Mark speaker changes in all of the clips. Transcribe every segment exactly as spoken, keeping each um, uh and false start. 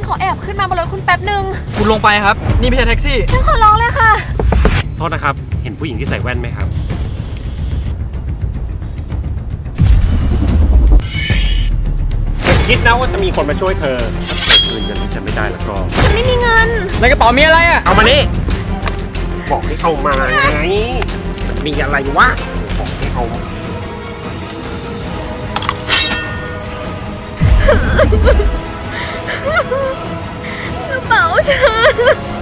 Speaker 1: ขอแอบขึ้นมาบนรถคุณแป๊บหนึ่ง
Speaker 2: คุณลงไปครับนี่ไม่ใช่แท็กซี่
Speaker 1: ฉันขอร้องเลยค่ะ
Speaker 3: โทษนะครับเห็นผู้หญิงที่ใส่แว่นไหมครับคิดนะว่าจะมีคนมาช่วยเธอถ้าเธอคืนเงินที่ฉันไม่ได้แล้วก็
Speaker 1: ฉันไม่มีเงิน
Speaker 2: ในกระเป๋ามีอะไรอ่ะ
Speaker 3: เอามานี่บอกให้เอามาไงมันมีอะไรวะบอกให้เอา
Speaker 1: กระเป๋าฉัน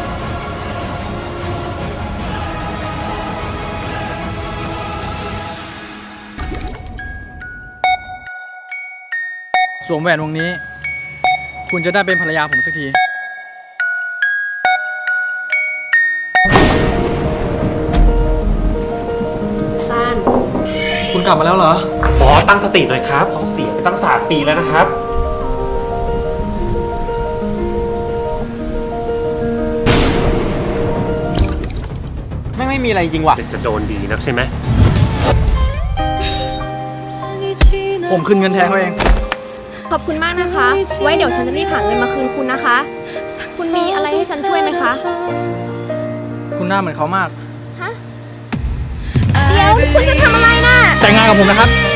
Speaker 2: สวมแหวนวงนี้คุณจะได้เป็นภรรยาผมสักที
Speaker 1: ซาน
Speaker 2: คุณกลับมาแล้วเหรอ
Speaker 3: บอสตั้งสติหน่อยครับเขาเสียไปตั้งสามปีแล้วนะครับ
Speaker 2: แม่งไม่มีอะไรจริงว่ะ
Speaker 3: จะโดนดีนักใช่ไหม
Speaker 2: ผมคืนเงินแทนเขาเอง
Speaker 1: ขอบคุณมากนะคะ ไว้เดี๋ยวฉันจะรีบหาเงินมาคืนคุณนะคะ คุณมีอะไรให้ฉันช่วยไหมคะ
Speaker 2: คุณหน้าเหมือนเขามาก
Speaker 1: ฮะเดี๋ยวคุณจะทำอะไรน่ะ
Speaker 2: แต่งงานกับผมนะครับ